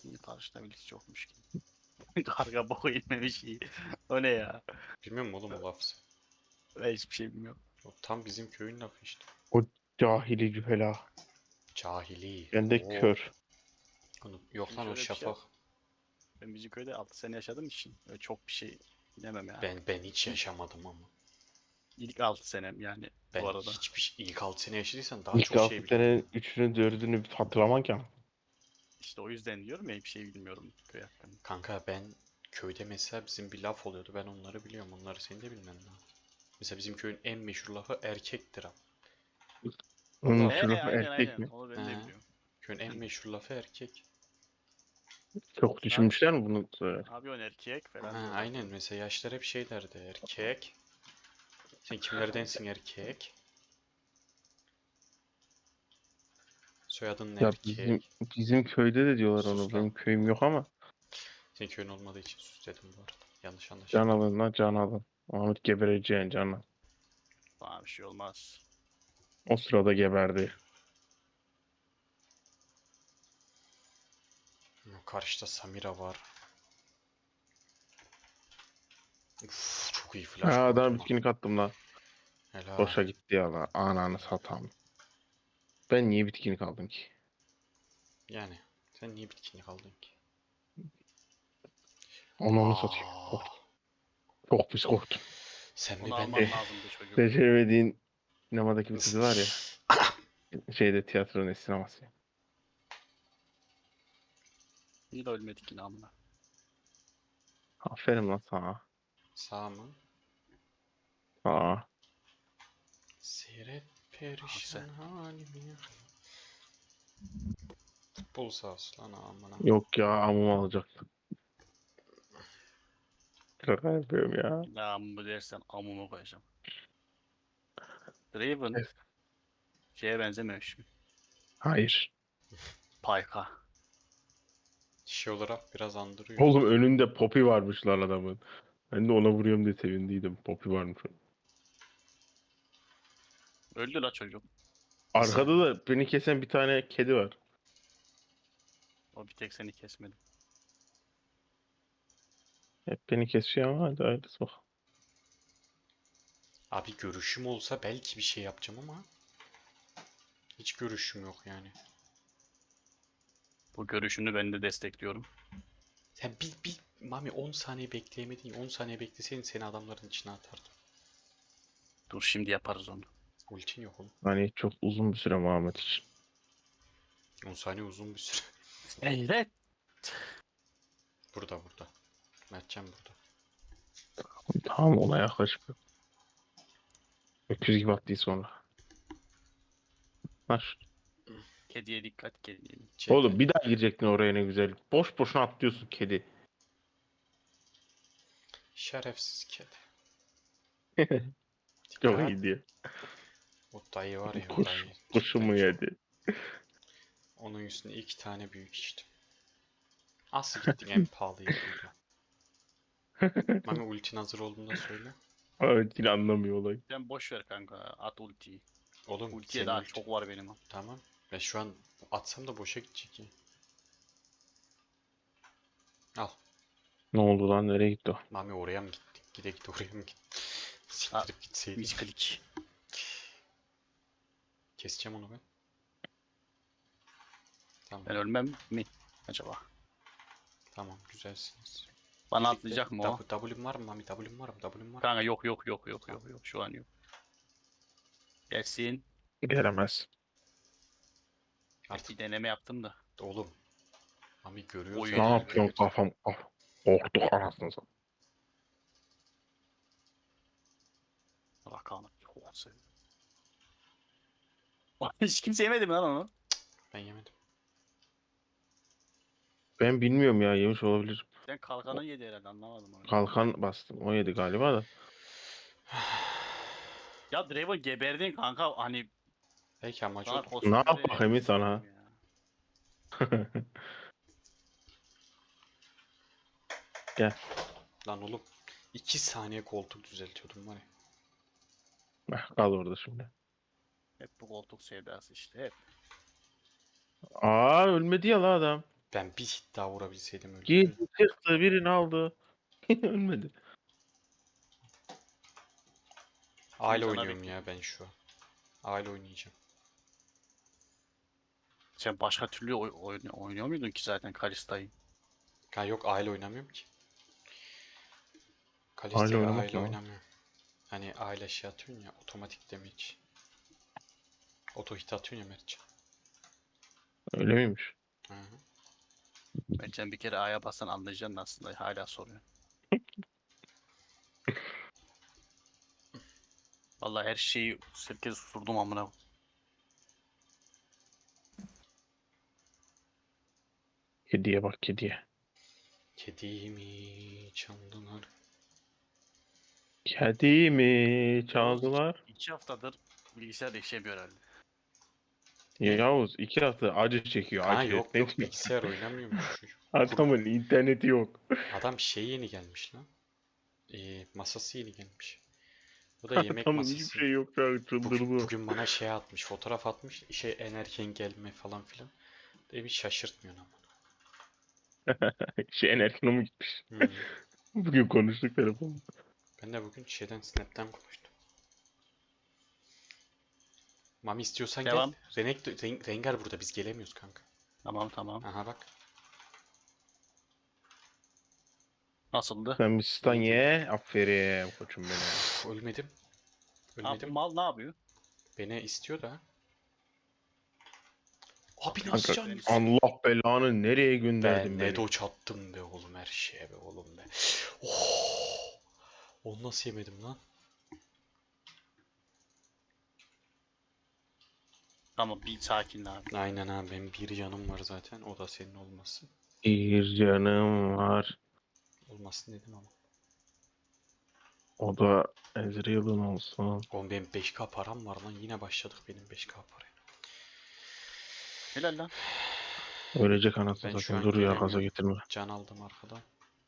Niye karşıda birisi çokmuş ki? Karga boku inmemiş iyi. O ne ya? Bilmiyor musun oğlum o lafı? Ben hiçbir şey bilmiyorum. O tam bizim köyün lafı işte. O cahili cühela. Cahili. Ben de Oo. kör. Yok Şimdi lan o şöyle bir şey şafak. yap. Ben bizim köyde 6 sene yaşadığım için öyle çok bir şey bilemem yani. Ben hiç yaşamadım ama. İlk 6 senem yani bu Ben arada. ilk 6 sene yaşadıysan daha İlk çok şey 6 biliyorum. senenin 3'ünü 4'ünü bir hatırlamak ya. İşte o yüzden diyorum ya bir şey bilmiyorum köy hakkında. Kanka ben köyde mesela bizim bir laf oluyordu. Ben onları biliyorum. Onları senin de bilmen lazım. Mesela bizim köyün en meşhur lafı erkektir ha. Onun Valla. şu lafı Aynen erkek aynen mi? onu ben de He. biliyorum. Köyün en meşhur lafı erkek. Çok düşünmüşler mi bunu? Abi o erkek falan Ha, diyorlardı. aynen mesela yaşlar hep şey derdi. Erkek. Sen kimlerdensin erkek? Soyadın ne Ya bizim erkek? bizim köyde de diyorlar Sus onu. lan. Benim köyüm yok ama. Senin köyün olmadığı için sus dedim bu arada. Yanlış Can anlaşılma. alın lan can alın. Ahmet gebereceğin canı. Bana bir şey olmaz. O sırada geberdi. Karşıda Samira var. Uf, çok iyi Ha flash adam koydum lan. bitkinlik attım lan. Helal. Boşa gitti ya lan. Ananı satam. Ben niye bitkinlik aldım ki? Yani sen niye bitkinlik aldın ki? Onu satayım. Aa, Korktum. Çok pis korktum. sen Onu mi ben alman mi? lazımdı çocuğum. Beceremediğin sinemadaki bir kız var ya. Şeyde tiyatronun sineması. Niye de ölmedik yine amına. Aferin lan sana. Sağ mı? Aa. Seyret Ah sen. perişan halimi. Futbol sahası lan amına. Yok ya amımı alacaktım. Şaka yapıyorum ya. Bir daha amımı dersen amımı koyacağım. Draven Evet. şeye benzememiş mi? Hayır. Payka. Şey olarak biraz andırıyor. Oğlum önünde Poppy varmış lan adamın. Ben de ona vuruyorum diye sevindiydim. Poppy varmış. Öldü la çocuk. Arkada da beni kesen bir tane kedi var. O bir tek seni kesmedi. Hep beni kesiyor ama hadi hayırlısı bak. Abi görüşüm olsa belki bir şey yapacağım ama hiç görüşüm yok yani. Bu görüşünü ben de destekliyorum. Sen bir Mami 10 saniye bekleyemedin. 10 saniye bekleseydin seni adamların içine atardım. Dur şimdi yaparız onu. Ultin yok oğlum. Hani çok uzun bir süre Muhammed için. 10 saniye uzun bir süre. Evet. Burada. Mertcan burada. Tamam ona yaklaşmıyor. Öküz gibi attı sonra. Var. Kediye dikkat kediye. Oğlum CT. bir daha girecektin oraya ne güzel. Boş boşuna atlıyorsun kedi. Şerefsiz kedi. Çok Dikkat. iyi diyor. O dayı var ya o Kuş, dayı. Cidden kuşumu çok. yedi. Onun üstüne 2 tane büyük içtim. Nasıl gittin en pahalı yediyle? Mami ultin hazır olduğunda söyle. Evet yine anlamıyor olayı. Sen boş ver kanka. At ultiyi. Oğlum Ultiye senin daha ulti. çok var benim. Tamam. Ben şu an atsam da boşa gidecek ya. Al. Ne oldu lan nereye gitti o? Mami oraya mı gittik? Gide oraya mı gittik? Ha, Siktirip gitseydin. misklik. Keseceğim onu ben. Tamam. Ben ölmem mi acaba? Tamam güzelsiniz. Bana Birlikte atlayacak mı o? W'm var mı Mami? W'm var mı? W'm var mı? Kanka yok Tamam. şu an yok. Gelsin. Gelemez. Artık Bir deneme yaptım da. oğlum. Mami görüyor Oy. Ne zaten yapıyorsun görev. kafam? Korktuk anasını satayım. Rakanı. Çok seviyorum. Hiç kimse yemedi mi lan onu? Ben yemedim. Ben bilmiyorum ya yemiş olabilir. Sen kalkanı yedi herhalde anlamadım onu. Kalkan bastım. O yedi galiba da. Ya Draven geberdin kanka hani Belki amacı sana odur. Ne kostüm yap vererek bakayım kestirdim sana? ya. Gel. Lan oğlum. 2 saniye koltuk düzeltiyordum var ya. Kal orada şimdi. Hep bu koltuk sevdası işte hep. Aa ölmedi ya la adam. Ben bir hit daha vurabilseydim öldü. Girdi çıktı birini aldı. Ölmedi. Aile sana oynuyorum bir- ya ben şu an. Aile oynayacağım. Sen başka türlü oynuyor muydun ki zaten Kalista'yı? Ha yok aile oynamıyorum ki. Aile Kalista'yla oynamak aile ne lan? oynamıyorum. Hani aile şey atıyorsun ya otomatik damage. Oto hit atıyorsun ya Mertcan. Öyle miymiş? Hı hı. Bence bir kere A'ya bassan anlayacaksın aslında. Hala soruyor. Vallahi her şeyi herkes susturdum amına. Kediye bak kediye. Kedimi çaldılar. Kedimi Yavuz çaldılar. 2 haftadır bilgisayar işlemiyor herhalde. Yavuz 2 hafta acı çekiyor Ha acı. yok Ne yok diyorsun? bilgisayar oynamıyormuş çocuk. Adamın interneti yok. Adam şey yeni gelmiş lan. Masası yeni gelmiş. Bu da yemek Adamın hiçbir masası. şey yok şu an çıldırdı. Bugün bana şey atmış, fotoğraf atmış. Şey en erken gelme falan filan. Demiş şaşırtmıyor ama. Şey enerjine mi gitmiş? Hmm. Bugün konuştuk telefonda. Ben de bugün şeyden Snap'ten konuştum. Mami istiyorsan gel. Devam. Rengar burada biz gelemiyoruz kanka. Tamam tamam. Aha bak. Nasıldı? Sen bir stan ye. Aferin koçum benim. Uf, ölmedim. Abi bu Ölmedim. mal ne yapıyor? Beni istiyor da. Abi nasıl Kanka can? Allah belanı nereye Ben gönderdin ne beni? doç attım be oğlum her şeye be oğlum be. Oh! Onu nasıl yemedim lan? Tamam bir sakin abi. Aynen abi benim bir canım var zaten. O da senin olmasın. Bir canım var. Olmasın dedim ama. O da Ezreal'ın olsun. Oğlum benim 5K param var lan. Yine başladık benim 5K paraya. Helal lan. Ölecek anasını Ben şu satayım. an Dur ya gaza gelemiyorum. getirme. Can aldım arkadan.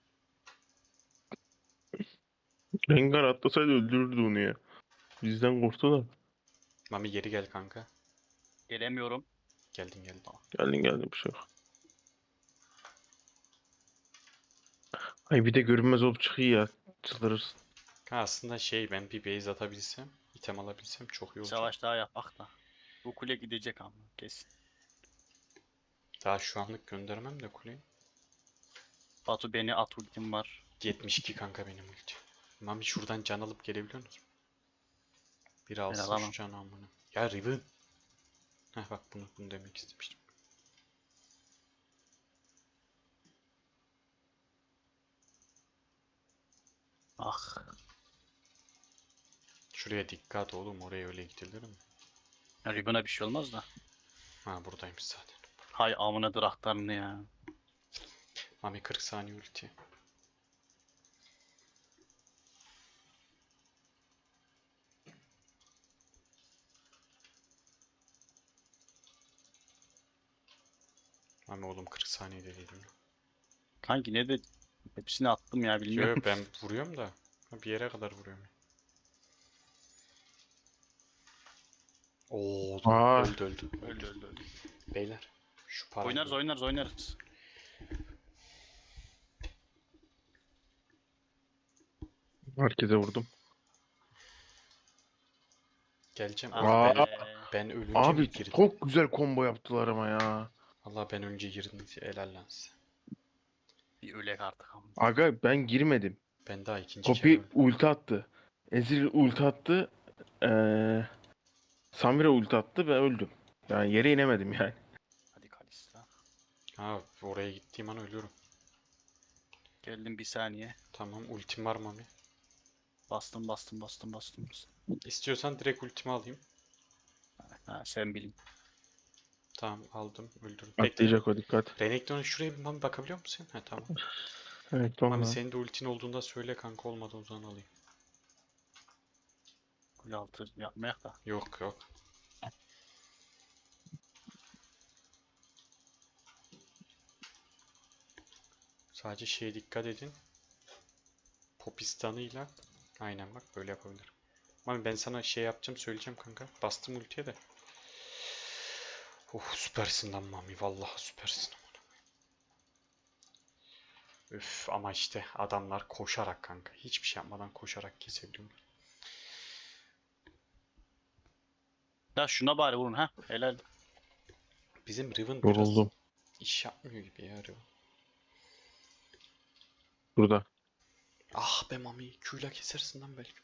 Rengar atlasaydı öldürürdü onu ya. Bizden korktu da. Mami geri gel kanka. Gelemiyorum. Geldin geldin. Geldin geldin bir şey yok. Ay bir de görünmez olup çıkıyor ya. Çıldırırsın. Ha, aslında şey ben bir base atabilsem, item alabilsem çok iyi olacak. Savaş daha yapak da. Bu kule gidecek ama kesin. Daha şu anlık göndermem de kuleyi. Batu beni at ultim var. 72 kanka benim ulti. Mami şuradan can alıp gelebiliyor musun? Biri Ben alsın şu alamam. canı amına. Ya Riven. Heh bak bunu demek istemiştim. Ah. Şuraya dikkat oğlum oraya öyle gidilir mi? Ribbon'a bir şey olmaz da. Ha buradaymış zaten. Hay amına draktarını ya. Mami 40 saniye ulti. Mami oğlum 40 saniyede değilim. Kanki ne de hepsini attım ya Yo bilmiyorum. ben vuruyorum da. Bir yere kadar vuruyorum. Oo Aa. öldü. Öldü öldü öldü. Beyler şu parayı Oynarız oynarız oynarız. Herkese vurdum. geleceğim. Ah Oğlum Aa. ben ölünce mi Abi girdim? çok güzel combo yaptılar ama ya. Allah ben önce girdim. Helal lan size. Bir ölek artık ama. Aga ben girmedim. Ben daha ikinci kere Poppy öldüm. ulti attı. Ezreal ulti attı. Samira ulti attı ve öldüm. Yani yere inemedim yani. Hadi Kalista. Ha oraya gittiğim an ölüyorum. Geldim bir saniye. Tamam ultim var Mami. Bastım bastım bastım bastım. Bastım. İstiyorsan direkt ultimi alayım. Ha sen bilin. Tamam aldım öldürdüm. Bekle. Atlayacak o dikkat. Renekton'a şuraya bir Mami bakabiliyor musun? Ha tamam. Evet Mami tamam. senin de ultin olduğunda söyle kanka olmadı o zaman alayım. Kule altı yapmayak da. Yok yok. Sadece şeye dikkat edin. Popistanıyla. Aynen bak böyle yapabilirim. Mami ben sana şey yapacağım söyleyeceğim kanka. Bastım ultiye de. Oh süpersin lan Mami vallahi süpersin. Üf ama işte adamlar koşarak kanka. Hiçbir şey yapmadan koşarak kesebiliyorlar. Ya şuna bari vurun ha. Helal. Bizim Riven biraz Yoruldum. iş yapmıyor gibi ya Riven. Burada. Ah be Mami. Q'yla kesersin lan belki.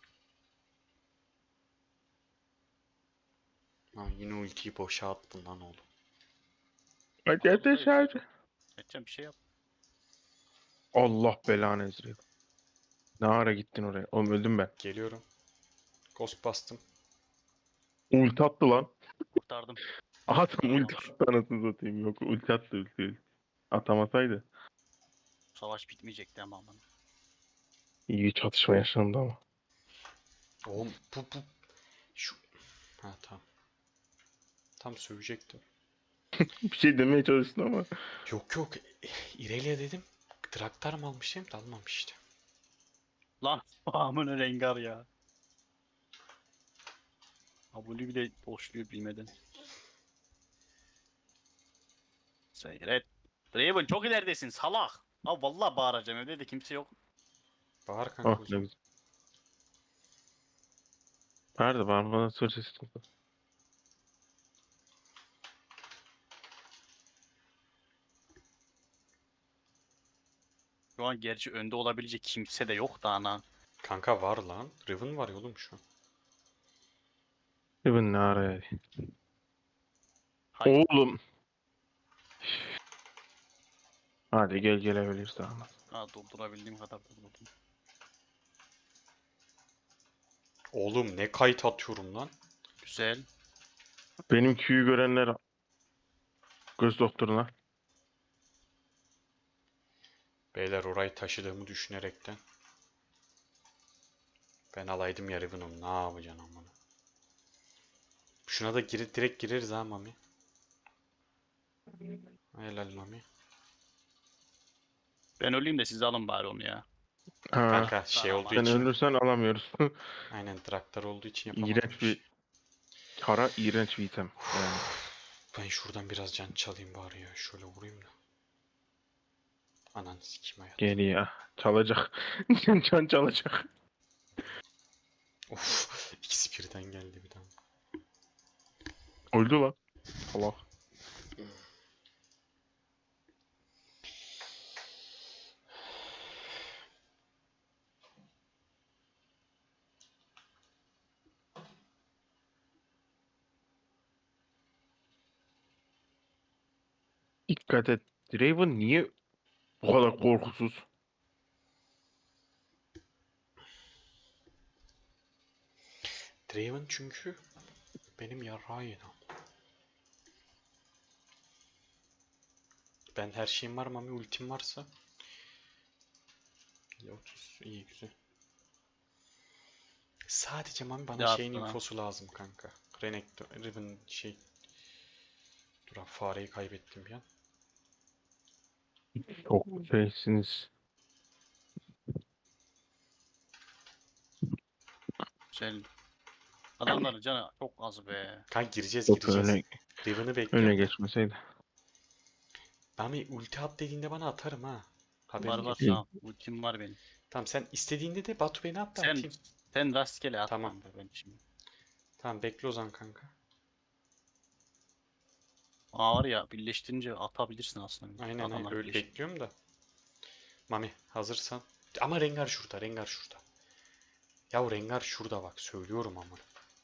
Ha, yine ultiyi boşa attın lan oğlum. Hadi hadi hadi. Edeceğim bir şey yap. Allah belanı Ezreal. Ne ara gittin oraya? Oğlum öldüm ben. Geliyorum. Ghost bastım. Ulti attı lan. Kurtardım. Adam ulti attı anasını satayım. Yok ulti attı ulti. Atamasaydı. Savaş bitmeyecekti ama aman. İyi çatışma yaşandı ama. Oğlum bu. Şu. Ha tamam. Tam sövecektim. Bir şey demeye çalıştın ama. Yok yok. İrelia dedim. Draktar mı almışım? Dalmamış işte. Lan amına rengar ya. Abone bile boşluyor bilmeden. Seyret. Draven çok ileridesin salak. Ha vallahi bağıracağım evde de kimse yok. Bağır kanka Ah o ne zaman. güzel. Nerede bana soru sesi çıktı. Şu an gerçi önde olabilecek kimse de yok da ana. Kanka var lan. Riven var ya oğlum şu an. Even ne araya? Hayır. Oğlum. Hadi gel gelebilirsin ama. Ha durdurabildiğim kadar durdurdum. Oğlum ne kayıt atıyorum lan. Güzel. Benim Q'yu görenler göz doktoruna. Beyler orayı taşıdığımı düşünerekten. Ben alaydım ya Riven'ım. Ne yapacaksın amına. Şuna da direkt gireriz ha Mami. Helal Mami. Ben öleyim de siz alın bari onu ya. Ha. Kanka şey olduğu Sen için. ölürsen alamıyoruz. Aynen Draktar olduğu için yapamadım İğrenç bir kara iğrenç bir item. Yani. Ben şuradan biraz can çalayım bari ya. Şöyle vurayım da. Anan sikim hayat. Gel ya. Çalacak. Can çalacak. Of. İkisi birden geldi bir daha. Öldü lan. Allah. Dikkat et. Draven niye bu kadar korkusuz? Draven çünkü benim yarrağı yedi. Ben her şeyim var Mami ultim varsa. 30 iyi güzel. Sadece Mami bana Ne şeyin yaptın ha? infosu lazım kanka. Renekton, Riven şey. Dur abi fareyi kaybettim bir an. Çok şeysiniz. Güzel. Adamların canı çok az be. Kanka gireceğiz Çok gireceğiz. Riven'ı öne bekliyorum ben. geçmeseydi. Mami ulti at dediğinde bana atarım ha. Var Haberin var olsun. İyi. tamam. Ultim var benim. Tamam sen istediğinde de Batu beni at da Sen atayım. sen rastgele at Tamam. kanka ben şimdi. Tamam bekle o zaman kanka. Aa var ya birleştirince atabilirsin aslında. Aynen aynen Adamlar öyle birleşiyor. bekliyorum da. Mami hazırsan. Ama Rengar şurada Rengar şurada. Yahu Rengar şurada bak söylüyorum ama.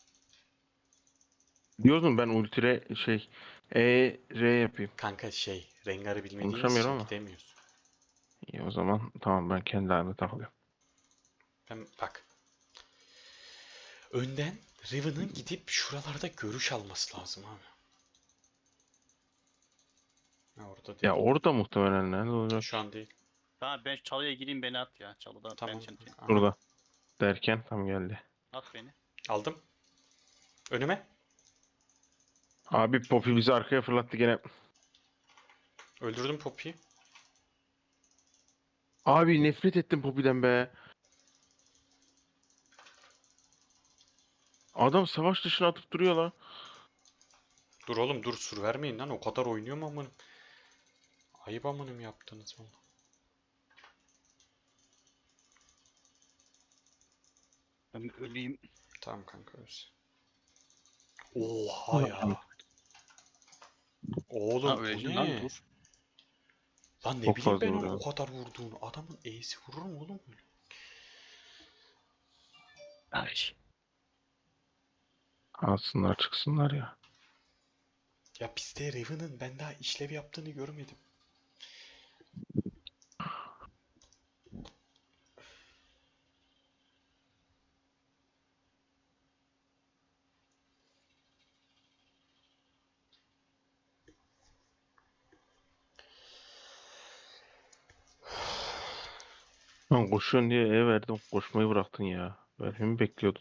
Diyorsun ben ultire şey R yapayım. Kanka şey Rengar'ı bilmediğimiz Konuşamıyorum için ama. gidemiyoruz. İyi o zaman tamam ben kendi halime takılıyorum. Ben bak. Önden Riven'ın gidip şuralarda görüş alması lazım abi. Ha, orada değil. Ya orada muhtemelen nerede olacak? Şu an değil. Tamam ben çalıya gireyim beni at ya. Çalıda ben Tamam. seni Aha. Burada derken tam geldi. at beni. Aldım. Önüme. Abi Poppy bizi arkaya fırlattı gene. Öldürdüm Poppy'yi. Abi nefret ettim Poppy'den be. Adam savaş dışına atıp duruyor lan. Dur oğlum dur sur vermeyin lan. O kadar oynuyor mu amınım? Ayıp amınım yaptınız valla. Ben bir öleyim. Tamam kanka öz. Oha ya. Ha Oğlum bu öleceksin lan ne? dur. Lan ne Çok bileyim fazla ben onu vuruyor. o kadar vurduğunu. Adamın E'si vurur mu oğlum böyle? Ay. Alsınlar çıksınlar ya. Ya bizde Raven'ın ben daha işlev yaptığını görmedim. Lan koşuyorsun diye verdim. Koşmayı bıraktın ya. Vermemi bekliyordum.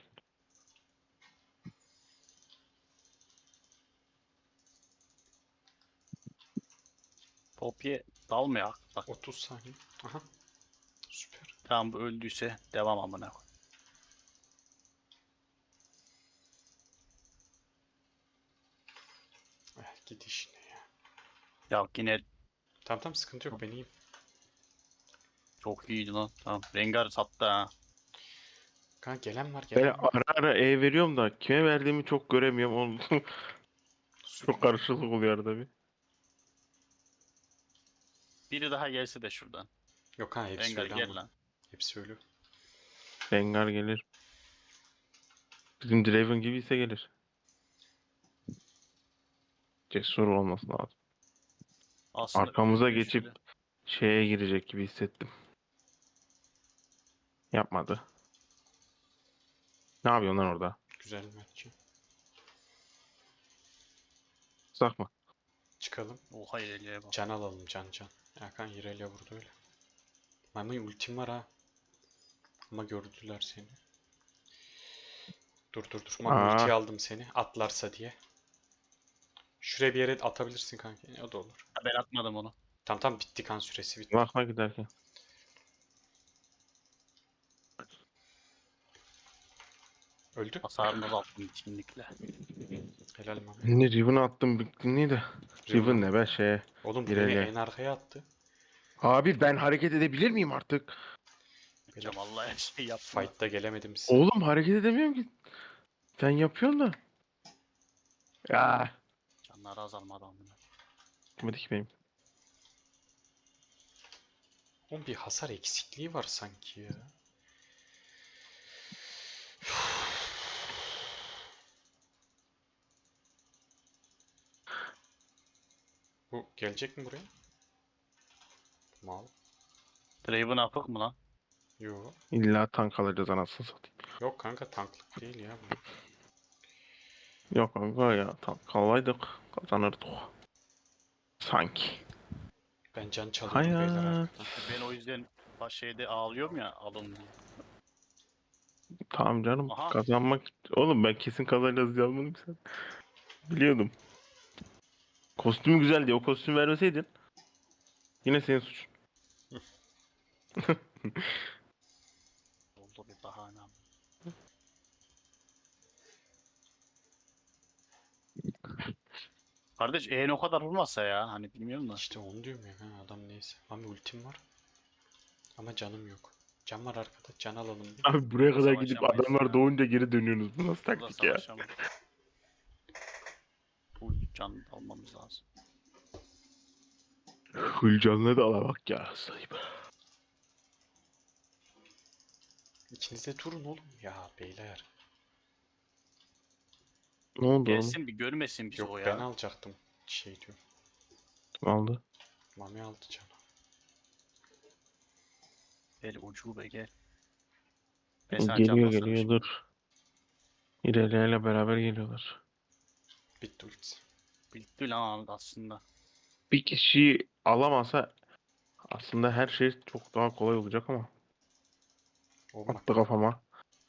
Popye dalmıyor bak. 30 saniye. Aha. Süper. Tamam bu öldüyse devam amına koy. Git işine ya. Ya yine Tamam tamam sıkıntı yok ben iyiyim. çok iyiydi lan. Tamam. Rengar sattı ha. Kanka gelen var Ben gelen var. ara ara veriyorum da kime verdiğimi çok göremiyorum. Onu Süper. çok karışıklık oluyor arada bir. Biri daha gelse de şuradan. Yok ha hepsi Rengar öyle gel ama. lan. Hepsi öyle. Rengar gelir. Bizim Draven gibiyse gelir. Cesur olması lazım. Aslında Arkamıza öldü geçip şöyle. şeye girecek gibi hissettim. Yapmadı. Ne yapıyorsun lan orada? Güzel maç. Sakma. Çıkalım. Oha ileriye bak. Can alalım can can. Hakan Hirelia vurdu öyle. Mami ultim var ha. Ama gördüler seni. Dur dur dur. Mami Aa, ultiyi aldım seni. Atlarsa diye. Şuraya bir yere atabilirsin kanka. O da olur. Ha, ben atmadım onu. Tamam tamam bitti kan süresi bitti. bakma giderken. Öldü. Hasarını azalttım bitkinlikle. Helal Mami. Ne Riven'ı attım bittiğini de. Riven Riven al. ne be şeye. Oğlum bu beni İrelia. en arkaya attı. Abi ben hareket edebilir miyim artık? Beyler Hocam vallahi her şeyi yaptım. fight'ta gelemedim size. Oğlum hareket edemiyorum ki. Sen yapıyorsun da. Ya. Canları azalmadı amına. Gitmedi ki benim. Oğlum bir hasar eksikliği var sanki ya. Bu gelecek mi buraya? Mal. Draven apık mı lan? Yo. İlla tank alacağız anasını satayım. Yok kanka tanklık değil ya bu. Yok kanka ya tank alaydık kazanırdık. Sanki. Ben can çalıyorum beyler Hayat. arkadan. Ben o yüzden baş şeyde ağlıyorum ya alın diye. Tamam canım Aha. kazanmak. Oğlum ben kesin kazanacağız diye almadım ki sen. Biliyordum. Kostümü güzel diye o kostüm vermeseydin. Yine senin suçun. Oldu bir bahane. Kardeş o kadar vurmasa ya hani bilmiyorum da. İşte onu diyorum ya. Ha, adam neyse. Mami ultim var. Ama canım yok. Can var arkada. Can alalım bir. Abi buraya kadar gidip Savaşamayız adamlar ya. doğunca geri dönüyorsunuz. Bu nasıl Burada taktik ya? savaşamayız. Full can almamız lazım. Hülcanla da ala bak ya sahip. İkiniz de durun oğlum. Ya beyler. Ne oldu oğlum? Gelsin bir görmesin bizi Yok o ben ya. alacaktım. Şey diyor. Kim aldı? Mami aldı canı. Gel ucube gel. Ben sana Geliyor can geliyor basarım dur. İrelia ile beraber geliyorlar. Bitti ultisi. Bitti lan aslında. Bir kişi alamasa aslında her şey çok daha kolay olacak ama. Oğlum bak. Attı kafama.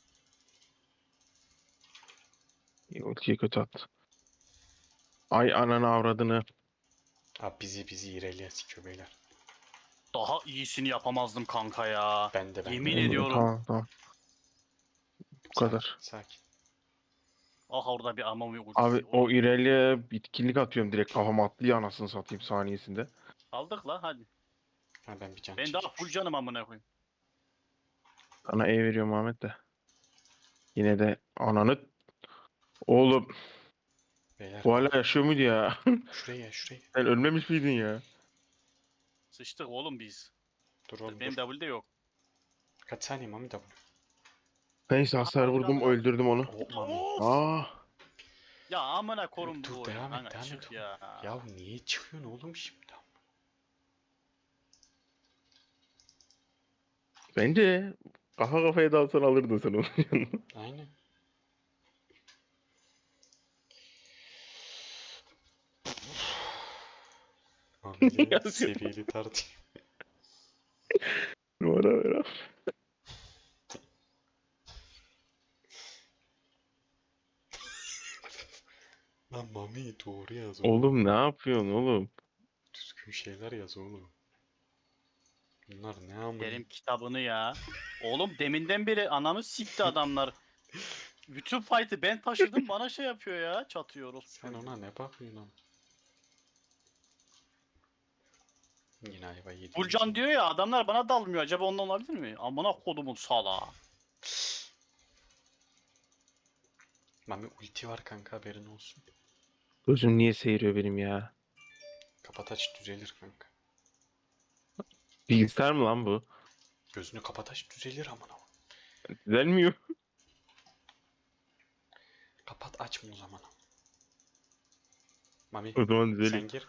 Ultiyi kötü attı. Ay ananı avradını. Abi bizi İrelia sikiyor beyler. Daha iyisini yapamazdım kanka ya. Ben de. Yemin ediyorum. Tamam tamam. Bu kadar. Sakin. Ah orada bir Amami Abi ultisi. o İrelia bitkinlik atıyorum direkt kafama atlıyor anasını satayım saniyesinde. Aldık la hadi. Ha ben bir can Ben daha çekeyim. full canım amına koyayım. Sana E veriyorum Ahmet de. Yine de ananı... Oğlum Beyler bu hala yaşıyor muydu ya? şuraya şuraya. Sen ölmemiş miydin ya? Sıçtık oğlum biz. Dur oğlum Benim dur. W'de yok. Kaç saniye Mami W? Neyse Aha, hasar aldık, vurdum aldık, aldık. öldürdüm onu. Oh Mami. Of! Aa, Ya amına korum bu Dur oyunu. devam et Kanka devam çık et. ya. Ya niye çıkıyorsun oğlum şimdi? bence kafa kafaya dalsan alırdın sen onu. Aynen. Mami'yle Yazıyor. seviyeli tartışma. Numara ver abi. Lan Mami doğru yaz oğlum. Oğlum ne yapıyorsun oğlum? Düzgün şeyler yaz oğlum. Bunlar ne amına? Kerim kitabını ya. Oğlum deminden beri anamı sikti adamlar. Bütün fight'ı ben taşıdım bana şey yapıyor ya. Çatıyor Sen ona ne bakıyorsun lan? Yine ayva yedim. Bulcan diyor ya adamlar bana dalmıyor. Acaba ondan olabilir mi? Amına kodumun salağı. Mami ulti var kanka haberin olsun. Gözüm niye seyiriyor benim ya? Kapat aç düzelir kanka. Bilgisayar mı lan bu? Gözünü kapat aç düzelir amına. Düzelmiyor. Kapat açma o zaman. Mami O zaman sen düzeliyor. gir.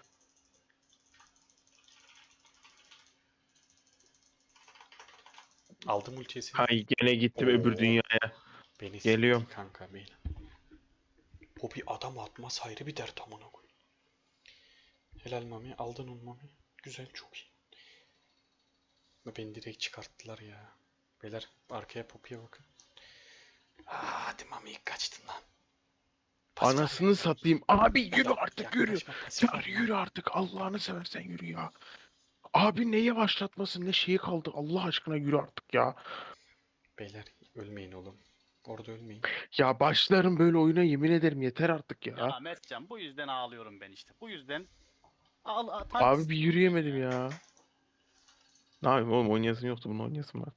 Aldım ultiyi seni. Hay gene gittim öbür Oo. dünyaya. Beni Geliyorum. sikti kanka beni. Poppy adam atmaz ayrı bir dert amına koy. Helal Mami aldın onu Mami. Güzel çok iyi. Beni direkt çıkarttılar ya. Beyler arkaya Poppy'ye bakın. Hadi Mami ilk kaçtın lan. Pasif Anasını abi. satayım. Abi yürü artık yürü. Yaklaşma, pasif Ya abi. yürü artık. Allah'ını seversen yürü ya. Abi neye başlatmasın ne şeyi kaldı. Allah aşkına yürü artık ya. Beyler ölmeyin oğlum. Orada ölmeyin. Ya başlarım böyle oyuna yemin ederim yeter artık ya. Ya Mertcan bu yüzden ağlıyorum ben işte. Bu yüzden Abi bir istiyorum ben yürüyemedim ya. ya. Ne yapayım oğlum oynayasın yoktu bunu oynayasın vardı.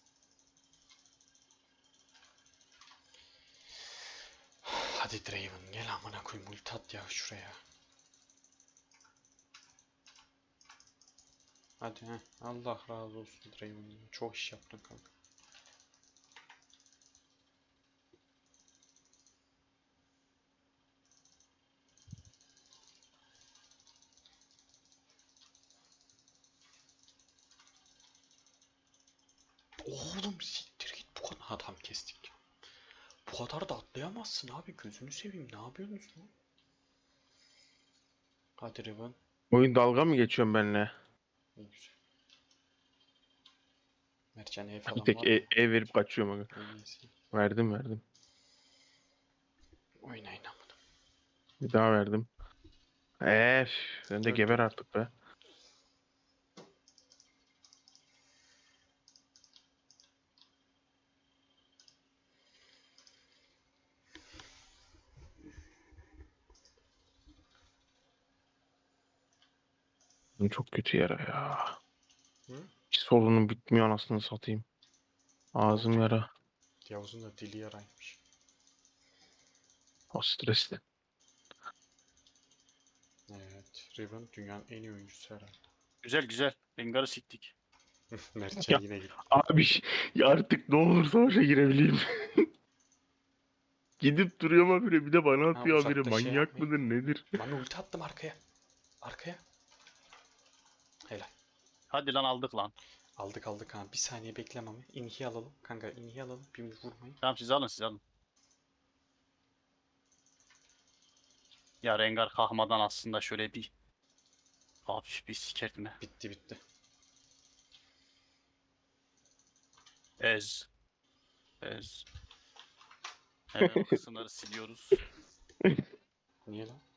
Hadi Draven gel amına koyayım ulti at ya şuraya. Hadi he. Allah razı olsun Draven. Çok iş yaptın kanka. Oğlum siktir git bu kadar adam kestik. Bu kadar da atlayamazsın abi gözünü seveyim ne yapıyorsunuz lan? Hadi Riven. Oyun dalga mı geçiyorsun benimle? İyi güzel. Mertcan ev Bir falan tek var mı? verip kaçıyorum aga. En iyisi. Verdim. Oynayın amına. Bir daha verdim. Eee sen de geber Öldüm. artık be. Bu çok kötü yara ya. Hı? Hiç sorunum bitmiyor anasını satayım. Ağzım oldu? yara. Yavuz'un da dili yaraymış. O stresli. Evet. Riven dünyanın en iyi oyuncusu herhalde. Güzel güzel. Rengar'ı siktik. Mertcan Ya, yine gitti. abi ya artık ne olur savaşa girebileyim. Gidip duruyor ama biri bir de bana Ha atıyor biri. uzakta şey Manyak yapmayın. mıdır nedir? Mami ulti attım arkaya. Arkaya. Helal. Hadi lan aldık lan. Aldık aldık ha. Bir saniye bekle Mami. İnhi alalım. Kanka inhi alalım. Bir vurmayın. Tamam siz alın siz alın. Ya Rengar kahmadan aslında şöyle bir hafif bir sikertme. Bitti bitti. Ez. Ez. Hemen o kısımları siliyoruz. Niye lan?